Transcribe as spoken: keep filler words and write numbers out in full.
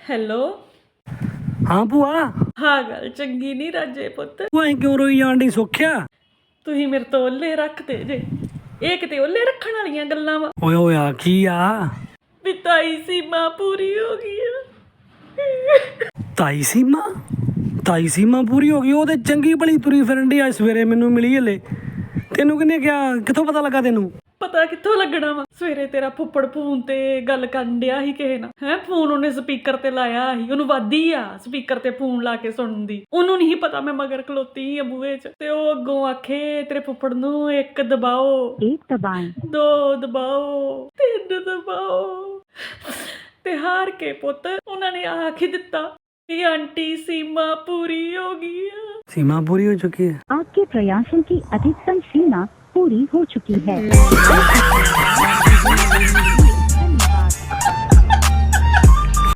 Hello. ਹਾਂ ਭੂਆ। ਹਾਂ ਗੱਲ ਚੰਗੀ ਨਹੀਂ ਰਾਜੇ ਪੁੱਤ। ਤੂੰ ਐਂ ਕਿਉਂ ਰੋਈ ਜਾਣ ਡਈ ਸੁੱਖਿਆ? ਤੁਸੀਂ ਮੇਰੇ ਤੋਂ ਓਲੇ ਰੱਖਦੇ ਜੇ। ਇਹ ਕਿਤੇ ਓਲੇ ਰੱਖਣ ਵਾਲੀਆਂ ਗੱਲਾਂ ਵਾ। ਓਏ ਹੋਇਆ ਕੀ ਆ? ਵੀ ਤਾਈ ਸੀਮਾ ਪੂਰੀ ਹੋ ਗਈ ਆ। ਤਾਈ ਸੀਮਾ? ਤਾਈ ਸੀਮਾ ਪੂਰੀ ਹੋ ਗਈ? ਉਹ ਤੇ ਚੰਗੀ ਭਲੀ ਤੁਰੀ ਫਿਰਨ ਡਈ। ਅੱਜ ਸਵੇਰੇ ਮੈਨੂੰ ਮਿਲੀ ਹਲੇ। ਤੈਨੂੰ ਕਿਹਨੇ ਕਿਹਾ? ਕਿੱਥੋਂ ਪਤਾ ਲੱਗਾ ਤੈਨੂੰ? ਪਤਾ ਕਿੱਥੋਂ ਲੱਗਣਾ ਵਾ? ਸਵੇਰੇ ਤੇਰਾ ਫੁੱਫੜ ਫੋਨ ਤੇ ਗੱਲ ਕਰਨ ਡਿਆ ਸੀ ਕਿਸੇ ਨਾਲ। ਹੈ ਫੋਨ ਉਹਨੇ ਸਪੀਕਰ ਤੇ ਲਾਇਆ ਸੀ। ਉਹਨੂੰ ਵਾਦੀ ਆ ਸਪੀਕਰ ਤੇ ਫੋਨ ਲਾ ਕੇ ਸੁਣਨ ਦੀ। ਉਹਨੂੰ ਨਹੀਂ ਪਤਾ ਮੈਂ ਮਗਰ ਖਲੋਤੀ ਸੀ ਬੂਹੇ 'ਚ। ਤੇ ਉਹ ਅੱਗੋਂ ਆਖੇ ਤੇਰੇ ਫੁੱਫੜ ਨੂੰ ਇੱਕ ਦਬਾਓ, ਇੱਕ ਦਬਾਏ, ਦੋ ਦਬਾਓ, ਤਿੰਨ ਦਬਾਓ। ਤੇ ਹਾਰ ਕੇ ਪੁੱਤ ਉਹਨਾਂ ਨੇ ਆਖ ਹੀ ਦਿੱਤਾ कि आंटी सीमा पूरी हो गई है। सीमा पूरी हो चुकी है। आपके प्रयासों की अधिकतम सीमा पूरी हो चुकी है।